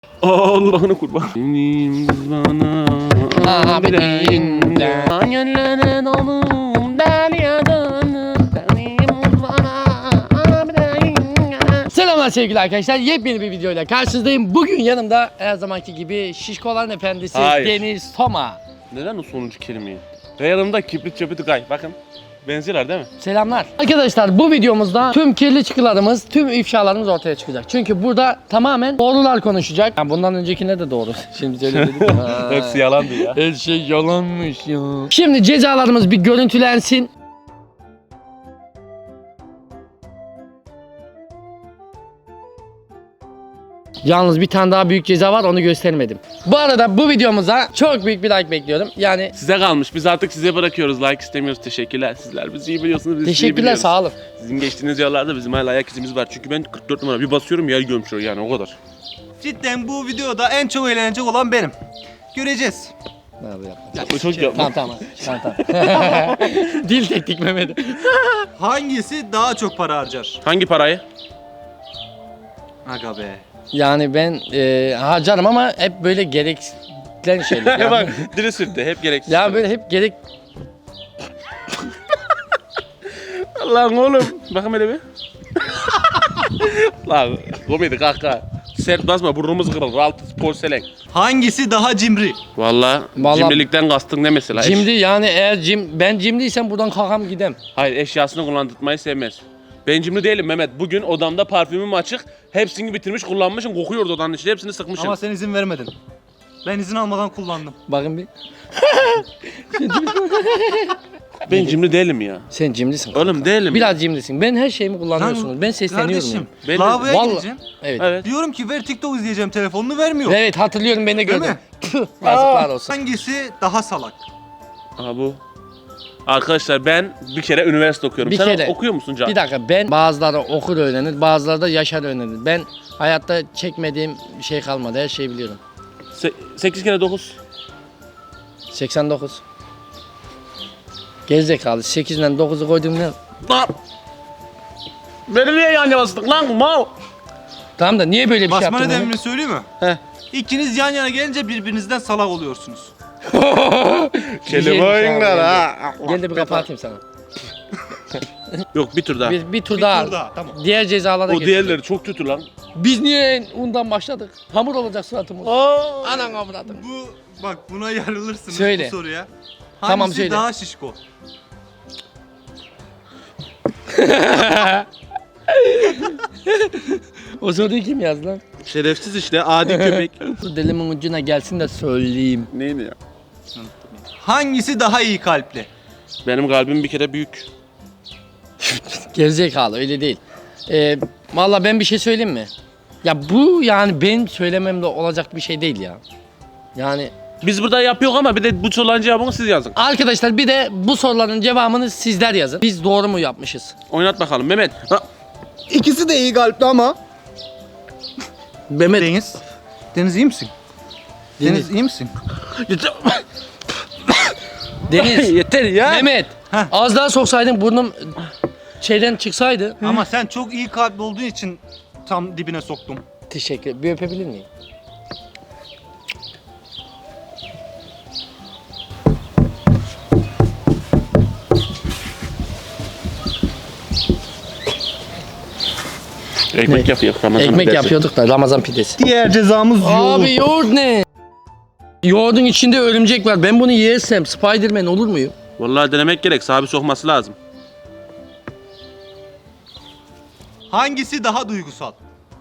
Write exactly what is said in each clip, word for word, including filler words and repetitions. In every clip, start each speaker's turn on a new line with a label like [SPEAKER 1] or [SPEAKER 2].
[SPEAKER 1] Allah'ını kurban. Bana abi deyince hayallere dolum deryadan abi deyince.
[SPEAKER 2] Selamlar sevgili arkadaşlar. Yepyeni bir videoyla karşınızdayım. Bugün yanımda her zamanki gibi şişkoların efendisi
[SPEAKER 1] Hayır.
[SPEAKER 2] Deniz Toma.
[SPEAKER 1] Neden o sonuncu kelimeyi? Ve yanımda kibrit çöpü gay. Bakın. Benziyorlar değil mi?
[SPEAKER 2] Selamlar. Arkadaşlar bu videomuzda tüm kirli çıkılarımız, tüm ifşalarımız ortaya çıkacak. Çünkü burada tamamen doğrular konuşacak. Yani bundan öncekinde de doğru. Şimdi öyle dedik.
[SPEAKER 1] Hepsi yalandı ya.
[SPEAKER 2] Her şey yalanmış ya. Şimdi cezalarımız bir görüntülensin. Yalnız bir tane daha büyük ceza var, onu göstermedim. Bu arada bu videomuza çok büyük bir like bekliyorum. Yani
[SPEAKER 1] Size kalmış. Biz artık size bırakıyoruz. Like istemiyoruz. Teşekkürler. Sizler bizi iyi biliyorsunuz. Biz sizi iyi
[SPEAKER 2] teşekkürler,
[SPEAKER 1] biliyoruz.
[SPEAKER 2] sağ olun.
[SPEAKER 1] Sizin geçtiğiniz yollarda bizim hala ayak izimiz var. Çünkü ben kırk dört numara bir basıyorum yer gömüşüyor yani o kadar.
[SPEAKER 3] Cidden bu videoda en çok eğlenecek olan benim. Göreceğiz.
[SPEAKER 2] Ne yapayım, yapma.
[SPEAKER 1] Yapma çok yapma.
[SPEAKER 2] Tamam tamam. tamam, tamam. Dil teknik Mehmet.
[SPEAKER 3] Hangisi daha çok para harcar?
[SPEAKER 1] Hangi parayı?
[SPEAKER 3] Aga be.
[SPEAKER 2] Yani ben e, harcarım ama hep böyle gereklen şeyler.
[SPEAKER 1] Ya
[SPEAKER 2] Ya,
[SPEAKER 1] bak dili sürttü. Hep gereksiz.
[SPEAKER 2] ya böyle hep gerek...
[SPEAKER 1] Lan oğlum. Bakın hele bir. Lan komedi kahkaha. Sert basma burnumuz kırılır. Altı porselen.
[SPEAKER 3] Hangisi daha cimri?
[SPEAKER 1] Valla
[SPEAKER 2] Vallahi-
[SPEAKER 1] cimrilikten kastın ne mesela? Eş-
[SPEAKER 2] Cimri yani eğer cim, ben cimriysem buradan kalkam gidem.
[SPEAKER 1] Hayır eşyasını kullandırmayı sevmez. Ben cimri değilim Mehmet. Bugün odamda parfümüm açık. Hepsini bitirmiş kullanmışım. Kokuyordu odanın içinde. Hepsini sıkmışım.
[SPEAKER 3] Ama sen izin vermedin. Ben izin almadan kullandım.
[SPEAKER 2] Bakın bir.
[SPEAKER 1] Ben cimri değilim ya.
[SPEAKER 2] Sen cimrisin.
[SPEAKER 1] Oğlum değilim.
[SPEAKER 2] Biraz cimrisin. Ben her şeyimi kullanıyorsunuz. Ben sesleniyorum.
[SPEAKER 3] Kardeşim,
[SPEAKER 1] Ben de-
[SPEAKER 3] lavaboya
[SPEAKER 2] Vallahi-
[SPEAKER 3] gideceğim.
[SPEAKER 2] Evet.
[SPEAKER 1] Evet.
[SPEAKER 3] Diyorum ki ver TikTok izleyeceğim, telefonunu vermiyor.
[SPEAKER 2] Evet hatırlıyorum, beni de
[SPEAKER 3] Değil
[SPEAKER 2] gördüm.
[SPEAKER 3] mi?
[SPEAKER 2] Tüh, yazıklar olsun.
[SPEAKER 3] Hangisi daha salak?
[SPEAKER 1] Aha bu. Arkadaşlar ben bir kere üniversite okuyorum.
[SPEAKER 2] Bir
[SPEAKER 1] Sen
[SPEAKER 2] kere.
[SPEAKER 1] okuyor musun Can?
[SPEAKER 2] Bir dakika, ben bazıları okur öğrenir, bazıları da yaşar öğrenir. Ben hayatta çekmediğim bir şey kalmadı, her şeyi biliyorum.
[SPEAKER 1] Se- sekiz kere dokuz.
[SPEAKER 2] seksen dokuz. Gerizekalı, sekiz ile dokuzu koydum ne?
[SPEAKER 1] Lan! Beni niye yan yana sıktın lan mal?
[SPEAKER 2] Tamam da niye böyle bir şey
[SPEAKER 3] Basma
[SPEAKER 2] yaptın?
[SPEAKER 3] nedenini söyleyeyim mi?
[SPEAKER 1] Heh.
[SPEAKER 3] İkiniz yan yana gelince birbirinizden salak oluyorsunuz.
[SPEAKER 1] Kelime oyunlar ha.
[SPEAKER 2] Gel de bir kafa atayım sana.
[SPEAKER 1] Yok bir tur daha.
[SPEAKER 2] Bir, bir tur
[SPEAKER 3] Bir
[SPEAKER 2] daha.
[SPEAKER 3] tur daha, tamam.
[SPEAKER 2] Diğer cezalara
[SPEAKER 1] O
[SPEAKER 2] geçelim.
[SPEAKER 1] diğerleri çok kötü lan.
[SPEAKER 2] Biz niye undan başladık? Hamur olacak suratımız.
[SPEAKER 1] Aa.
[SPEAKER 2] Anan avradım.
[SPEAKER 3] Bu bak buna yarılırsınız
[SPEAKER 2] Söyle.
[SPEAKER 3] bu soruya. Hangisi
[SPEAKER 2] Tamam, söyle.
[SPEAKER 3] daha şişko?
[SPEAKER 2] O soruyu kim yazdı lan?
[SPEAKER 1] Şerefsiz işte adi köpek.
[SPEAKER 2] Dur dilimin ucuna gelsin de söyleyeyim.
[SPEAKER 1] Neydi ya?
[SPEAKER 3] Hangisi daha iyi kalpli?
[SPEAKER 1] Benim kalbim bir kere büyük.
[SPEAKER 2] Gerizekalı, öyle değil. Ee, Valla ben bir şey söyleyeyim mi? Ya bu yani benim söylememle olacak bir şey değil ya. Yani
[SPEAKER 1] Biz burada yapıyoruz ama bir de bu soruların cevabını siz yazın.
[SPEAKER 2] arkadaşlar bir de bu soruların cevabını sizler yazın. Biz doğru mu yapmışız?
[SPEAKER 1] Oynat bakalım Mehmet. Ha.
[SPEAKER 3] İkisi de iyi kalpli ama.
[SPEAKER 2] Mehmet.
[SPEAKER 3] Deniz. Deniz iyi misin? Deniz iyi misin?
[SPEAKER 2] Deniz.
[SPEAKER 1] Yeter ya.
[SPEAKER 2] Mehmet.
[SPEAKER 3] Heh.
[SPEAKER 2] Az daha soksaydın burnum şeyden çıksaydı.
[SPEAKER 3] Ama sen çok iyi kalpli olduğun için tam dibine soktum.
[SPEAKER 2] Teşekkür. Bir öpebilir miyim?
[SPEAKER 1] Ekmek
[SPEAKER 2] Ne?
[SPEAKER 1] yapıyor. Ramazan
[SPEAKER 2] Ekmek
[SPEAKER 1] pidesi.
[SPEAKER 2] yapıyorduk da Ramazan pidesi.
[SPEAKER 3] Diğer cezamız yoğurt.
[SPEAKER 2] Abi yoğurt ne? Yoğurdun içinde örümcek var. Ben bunu yersem Spiderman olur muyum?
[SPEAKER 1] Vallahi denemek gerek. Sahibi sokması lazım.
[SPEAKER 3] Hangisi daha duygusal?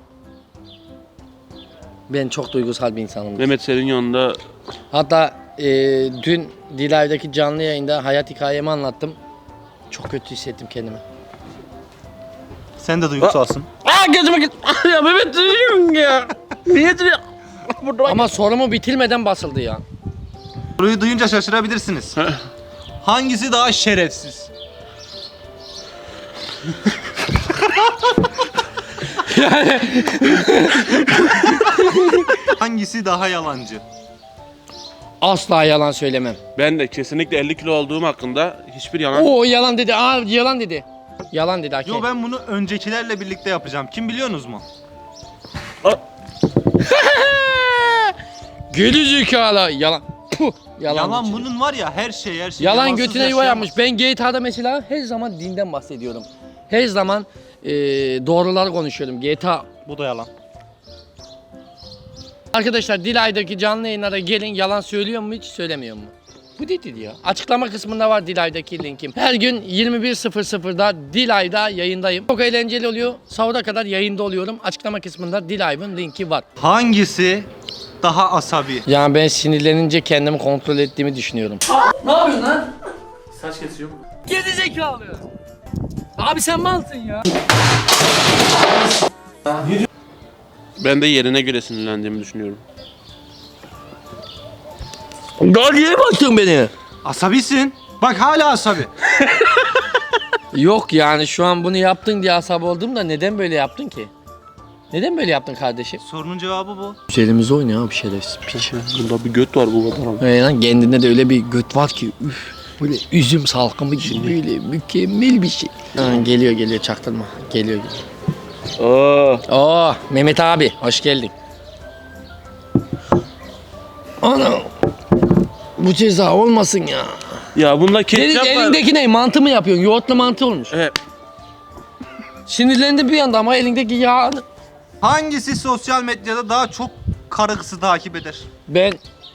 [SPEAKER 2] Ben çok duygusal bir insanım.
[SPEAKER 1] Mehmet senin yanında
[SPEAKER 2] Hatta e, dün Dilay'daki canlı yayında hayat hikayemi anlattım. Çok kötü hissettim kendimi.
[SPEAKER 3] Sen de duygusalsın.
[SPEAKER 1] Aa gözüme git. Ya Mehmet diyorum ya. Niye diyor? Burada bak.
[SPEAKER 2] Ama sorumu bitirmeden basıldı ya.
[SPEAKER 3] Soruyu duyunca şaşırabilirsiniz. Hangisi daha şerefsiz? Hangisi daha yalancı?
[SPEAKER 2] Asla yalan söylemem.
[SPEAKER 1] Ben de kesinlikle elli kilo olduğum hakkında hiçbir yalan.
[SPEAKER 2] Oo yalan dedi. Aa yalan dedi. Yalan dedi Hakem.
[SPEAKER 3] Yo ben bunu öncekilerle birlikte yapacağım. Kim biliyorsunuz mu?
[SPEAKER 2] Geri zekalı. Yalan. Puh. Yalan,
[SPEAKER 3] Yalan
[SPEAKER 2] içinde.
[SPEAKER 3] bunun var ya her şey her şey.
[SPEAKER 2] Yalan
[SPEAKER 3] Yalansız
[SPEAKER 2] götüne yuva
[SPEAKER 3] yaşayamaz.
[SPEAKER 2] yapmış. Ben G T A'da mesela her zaman dinden bahsediyorum. Her zaman e, doğruları konuşuyorum. G T A.
[SPEAKER 3] Bu da yalan.
[SPEAKER 2] Arkadaşlar Dilay'daki canlı yayınlara gelin. Yalan söylüyor mu hiç söylemiyor mu? Bu dedi ya. Açıklama kısmında var Dilay'daki linkim. Her gün yirmi bir sıfır sıfırda Dilay'da yayındayım. Çok eğlenceli oluyor. Sahura kadar yayında oluyorum. Açıklama kısmında Dilay'ın linki var.
[SPEAKER 3] Hangisi daha asabi?
[SPEAKER 2] Yani ben sinirlenince kendimi kontrol ettiğimi düşünüyorum. Ne yapıyorsun lan?
[SPEAKER 1] Saç kesiyorum.
[SPEAKER 2] Geri zekalı. Abi sen malsın ya.
[SPEAKER 1] Ben de yerine göre sinirlendiğimi düşünüyorum.
[SPEAKER 2] Daha niye baktın beni?
[SPEAKER 3] Asabisin. Bak hala asabi.
[SPEAKER 2] Yok yani şu an bunu yaptın diye asabı oldum da neden böyle yaptın ki? Neden böyle yaptın kardeşim?
[SPEAKER 3] Sorunun cevabı bu.
[SPEAKER 2] Üzerimize oynuyor abi şerefsiz piç.
[SPEAKER 1] Bunda bir göt var bu kadar ama.
[SPEAKER 2] Ee, lan kendinde de öyle bir göt var ki üf, böyle üzüm salkımı gibi böyle mükemmel bir şey. Ha, geliyor geliyor çaktırma. Geliyor geliyor.
[SPEAKER 1] Oo.
[SPEAKER 2] Oo Mehmet abi hoş geldin. Ana bu ceza olmasın ya.
[SPEAKER 1] Ya bunda
[SPEAKER 2] Senin
[SPEAKER 1] ketçap var.
[SPEAKER 2] elindeki ne? Mantı mı yapıyorsun? Yoğurtlu mantı olmuş.
[SPEAKER 1] Evet.
[SPEAKER 2] Sinirlendim bir anda ama elindeki yağ...
[SPEAKER 3] Hangisi sosyal medyada daha çok karı kızı takip eder?
[SPEAKER 2] Ben...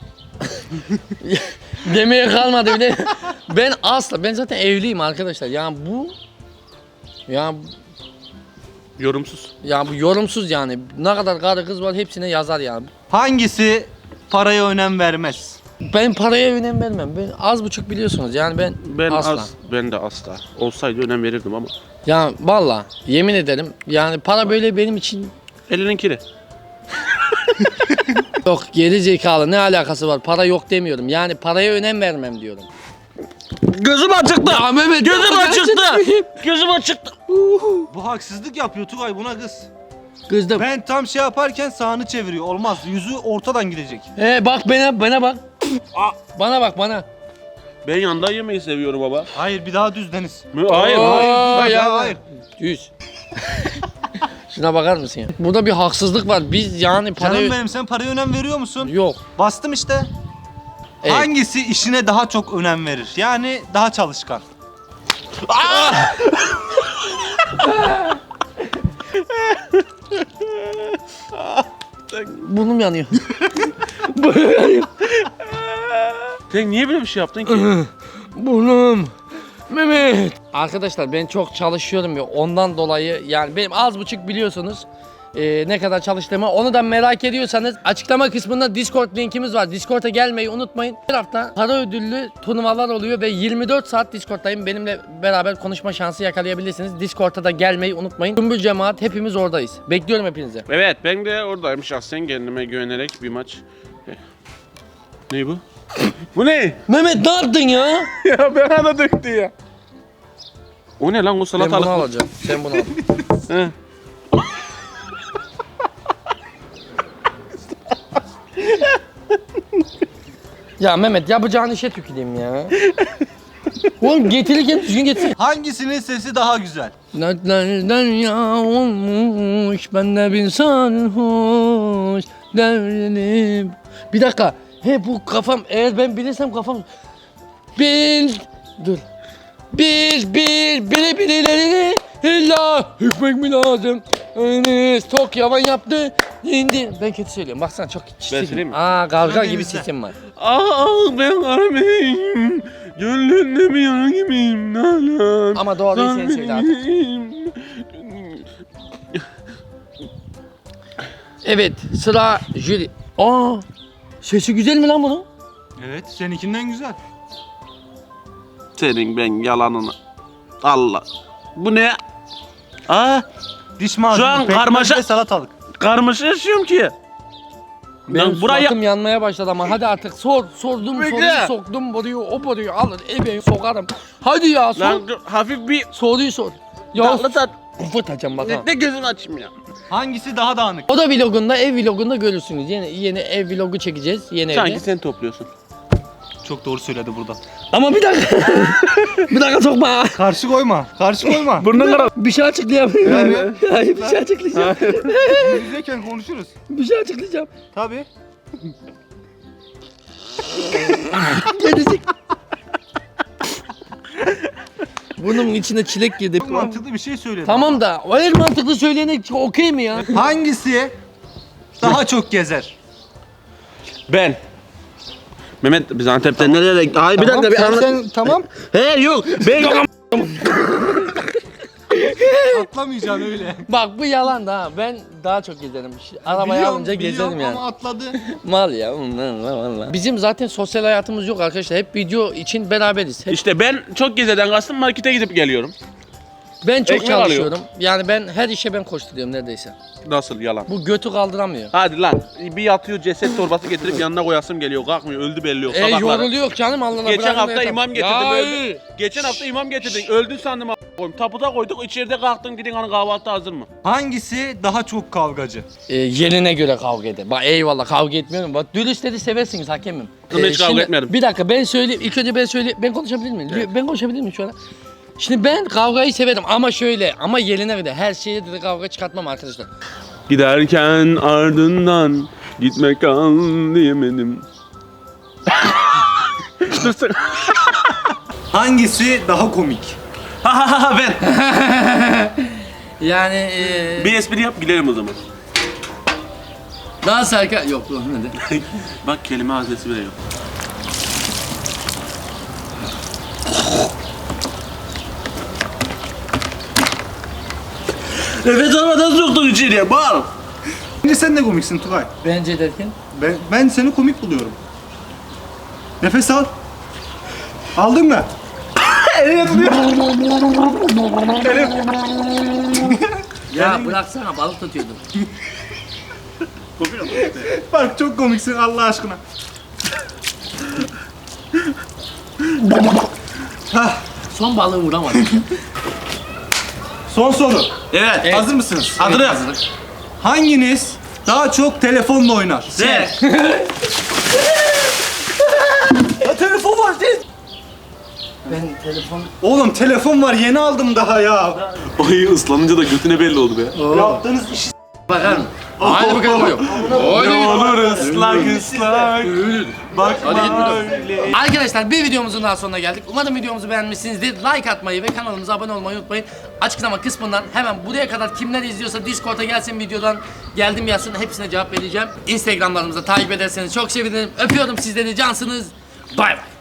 [SPEAKER 2] Demeye kalmadı bile. Ben asla, ben zaten evliyim arkadaşlar. Yani bu... Yani,
[SPEAKER 1] Yorumsuz.
[SPEAKER 2] yani bu yorumsuz yani. Ne kadar karı kız var hepsine yazar yani.
[SPEAKER 3] Hangisi paraya önem vermez?
[SPEAKER 2] Ben paraya önem vermem. Ben az buçuk biliyorsunuz yani ben,
[SPEAKER 1] Ben
[SPEAKER 2] asla.
[SPEAKER 1] az, ben de asla. Olsaydı önem verirdim ama.
[SPEAKER 2] Ya valla yemin ederim yani para böyle benim için
[SPEAKER 1] Elinin kiri.
[SPEAKER 2] yok, geri zekalı ne alakası var, para yok demiyorum yani paraya önem vermem diyorum.
[SPEAKER 1] Gözüm açıktı.
[SPEAKER 2] Ya Mehmet
[SPEAKER 1] Gözüm
[SPEAKER 2] ya,
[SPEAKER 1] açıktı.
[SPEAKER 2] gerçekten.
[SPEAKER 1] Gözüm açıktı.
[SPEAKER 3] Bu haksızlık yapıyor Tugay, buna kız.
[SPEAKER 2] Kızdım.
[SPEAKER 3] Ben tam şey yaparken sağını çeviriyor. Olmaz. Yüzü ortadan gidecek.
[SPEAKER 2] He bak bana bana bak. Bana bak bana.
[SPEAKER 1] Ben yanda yemeyi seviyorum baba.
[SPEAKER 3] Hayır, bir daha düz Deniz.
[SPEAKER 1] Hayır,
[SPEAKER 2] Oo,
[SPEAKER 1] hayır.
[SPEAKER 3] Ya,
[SPEAKER 2] ya,
[SPEAKER 3] hayır.
[SPEAKER 2] Düz. Şuna bakar mısın ya? Burada bir haksızlık var. Biz yani parayı...
[SPEAKER 3] Canım benim, sen paraya önem veriyor musun?
[SPEAKER 2] Yok.
[SPEAKER 3] Bastım işte.
[SPEAKER 2] Evet.
[SPEAKER 3] Hangisi işine daha çok önem verir? Yani daha çalışkan.
[SPEAKER 2] Burnum yanıyor. Burnum yanıyor.
[SPEAKER 1] Sen niye böyle bir şey yaptın ki?
[SPEAKER 2] Burnum. Mehmet. Arkadaşlar ben çok çalışıyorum ya ondan dolayı yani benim az buçuk biliyorsunuz e, ne kadar çalıştığımı, onu da merak ediyorsanız açıklama kısmında Discord linkimiz var. Discord'a gelmeyi unutmayın. Her hafta para ödüllü turnuvalar oluyor ve yirmi dört saat Discord'dayım. Benimle beraber konuşma şansı yakalayabilirsiniz. Discord'a da gelmeyi unutmayın. Tüm bir cemaat hepimiz oradayız. Bekliyorum hepinizi.
[SPEAKER 1] Evet, ben de oradayım şahsen kendime güvenerek bir maç. Ne bu? Bu ne?
[SPEAKER 2] Mehmet ne yaptın ya?
[SPEAKER 1] Ya bana da döktü ya. O ne lan, o
[SPEAKER 2] Ben bunu
[SPEAKER 1] salatalık?
[SPEAKER 2] alacağım. Sen bunu al.
[SPEAKER 1] He.
[SPEAKER 2] Ya Mehmet yapacağın işe tüküreyim ya. Oğlum getirirken düzgün getir.
[SPEAKER 3] Hangisinin sesi daha güzel?
[SPEAKER 2] Dertlerden ya olmuş, ben de bir sarhoş devrilip. Bir dakika. He bu kafam, eğer ben bilirsem kafam. Bil. Dur. Bil bil bile birileri illa hükmek mi lazım? Enes tok yavan yaptı. İndi. Ben kötü söylüyorum. Baksana çok çirkin.
[SPEAKER 1] söyleyeyim mi?
[SPEAKER 2] Aa kavga
[SPEAKER 3] Ben
[SPEAKER 2] gibi
[SPEAKER 3] denizde.
[SPEAKER 2] sesim var.
[SPEAKER 1] Aa, ben arameyim. Gönlünde mi yana gibiyim nalan.
[SPEAKER 2] Ama doğruyu sen söyle artık. Evet sıra jüri. Aa sesi güzel mi lan bunun?
[SPEAKER 3] Evet, seninkinden güzel.
[SPEAKER 1] Senin ben yalanını. Allah. Bu ne? Aa,
[SPEAKER 3] Diş macunu,
[SPEAKER 1] Şu an
[SPEAKER 3] pekmez
[SPEAKER 1] karmaşa-
[SPEAKER 3] ve salatalık.
[SPEAKER 1] karmaşa yaşıyorum ki.
[SPEAKER 2] Benim
[SPEAKER 1] Lan buraya
[SPEAKER 2] suratım yanmaya başladı ama hadi artık sor. Sordum
[SPEAKER 1] Bekle.
[SPEAKER 2] soruyu soktum boruyu o boruyu alır ebe sokarım. Hadi ya sor.
[SPEAKER 1] lan dur, hafif bir
[SPEAKER 2] Soruyu sor. Ya
[SPEAKER 1] tatlı tat.
[SPEAKER 2] fırtacağım bak ha.
[SPEAKER 1] Ne, ne gözünü açayım ya.
[SPEAKER 3] Hangisi daha dağınık?
[SPEAKER 2] O da vlogunda ev vlogunda görürsünüz. Yeni yeni ev vlogu çekeceğiz yeni
[SPEAKER 1] Sanki
[SPEAKER 2] evde.
[SPEAKER 1] sen topluyorsun.
[SPEAKER 3] Çok doğru söyledi burada.
[SPEAKER 2] Ama bir dakika. bir dakika sokma.
[SPEAKER 3] Karşı koyma, karşı koyma.
[SPEAKER 1] Burnun kara.
[SPEAKER 2] Bir şey açıklayabilirim. Hayır bir şey açıklayacağım.
[SPEAKER 3] Yüzeyken konuşuruz.
[SPEAKER 2] bir şey açıklayacağım.
[SPEAKER 3] Tabii.
[SPEAKER 2] Bunun içine çilek girdi.
[SPEAKER 3] Çok mantıklı bir şey söyledim.
[SPEAKER 2] Tamam da hayır mantıklı söyleyene okey mi ya?
[SPEAKER 3] Hangisi daha çok gezer?
[SPEAKER 1] Ben. Mehmet biz Antep'ten nereye... Ay bir dakika bir
[SPEAKER 3] sen,
[SPEAKER 1] anla...
[SPEAKER 3] sen tamam.
[SPEAKER 1] He yok. Ben...
[SPEAKER 3] Atlamayacaksın öyle.
[SPEAKER 2] Bak bu yalan da ha. Ben daha çok gezerim. Arabayı
[SPEAKER 3] Biliyorum,
[SPEAKER 2] alınca gezerim
[SPEAKER 3] biliyorum
[SPEAKER 2] yani.
[SPEAKER 3] ama atladı.
[SPEAKER 2] Mal ya. Vallahi. Bizim zaten sosyal hayatımız yok arkadaşlar. Hep video için beraberiz. Hep
[SPEAKER 1] İşte ben çok gezeden kastım markete gidip geliyorum.
[SPEAKER 2] ben çok
[SPEAKER 1] ekmek
[SPEAKER 2] çalışıyorum. Yani ben her işe ben koşturuyorum neredeyse.
[SPEAKER 1] Nasıl yalan?
[SPEAKER 2] Bu götü kaldıramıyor.
[SPEAKER 1] Hadi lan. Bir yatıyor ceset torbası getirip yanına koyasım geliyor. Kalkmıyor. Öldü belli yok.
[SPEAKER 2] E
[SPEAKER 1] Sabahları.
[SPEAKER 2] yoruluyor canım Allah'ına
[SPEAKER 1] Geçen
[SPEAKER 2] bırakın
[SPEAKER 1] hafta
[SPEAKER 2] yeter.
[SPEAKER 1] imam getirdim.
[SPEAKER 2] Ya,
[SPEAKER 1] öldü. Geçen hafta imam getirdin. Öldün sandım a**. koyayım. Taputa koyduk. İçeride kalktın. Gidin hani kahvaltı hazır mı?
[SPEAKER 3] Hangisi daha çok kavgacı?
[SPEAKER 2] E, yerine göre kavga eder. Bak eyvallah kavga etmiyorum. Bak dürüstleri seversiniz hakemim.
[SPEAKER 1] Kızımla hiç kavga
[SPEAKER 2] şimdi,
[SPEAKER 1] etmedim.
[SPEAKER 2] Bir dakika ben söyleyeyim. İlk önce ben söyleyeyim. Ben konuşabilir miyim? Ben konuşabilir miyim şu an? Şimdi ben kavgayı severim ama şöyle ama yerine göre her şeye de kavga çıkartmam arkadaşlar.
[SPEAKER 1] Giderken ardından gitmek kal diyemedim. Dursun.
[SPEAKER 3] Hangisi daha komik?
[SPEAKER 1] Ha ha ha ben.
[SPEAKER 2] Yani e,
[SPEAKER 1] Bir espri yap gülerim o zaman.
[SPEAKER 2] daha sarka yok dur hadi.
[SPEAKER 1] Bak kelime haznesi bile yok. Nefes almadan soktun içeriye bal.
[SPEAKER 3] Bence sen de komiksin Tugay.
[SPEAKER 2] Bence derken
[SPEAKER 3] Ben, ben seni komik buluyorum. Nefes al. Aldın mı?
[SPEAKER 2] ya bıraksana balık tutuyordum.
[SPEAKER 1] Kopuyor mu?
[SPEAKER 3] Bak çok komiksin Allah aşkına. Hah,
[SPEAKER 2] Son balığı vuramadım.
[SPEAKER 3] son soru.
[SPEAKER 1] Evet.
[SPEAKER 2] Evet.
[SPEAKER 3] Hazır mısınız?
[SPEAKER 1] Hazırım.
[SPEAKER 3] Hanginiz daha çok telefonla oynar?
[SPEAKER 1] Sen.
[SPEAKER 3] Ya telefon var siz.
[SPEAKER 2] Ben telefon
[SPEAKER 3] Oğlum telefon var yeni aldım daha ya.
[SPEAKER 1] Ay ıslanınca da götüne belli oldu be.
[SPEAKER 3] Yaptığınız işi
[SPEAKER 2] bakar mı? Hadi bakalım vuruyor.
[SPEAKER 1] Ne olur ıslak ıslak. Bakma öyle.
[SPEAKER 2] Arkadaşlar bir videomuzun daha sonuna geldik. Umarım videomuzu beğenmişsinizdir. Like atmayı ve kanalımıza abone olmayı unutmayın. Açıklama kısmından hemen buraya kadar kimler izliyorsa Discord'a gelsin videodan geldim yazsın. Hepsine cevap vereceğim. Instagramlarımıza takip ederseniz çok sevinirim. Öpüyorum sizleri cansınız. Bay bay.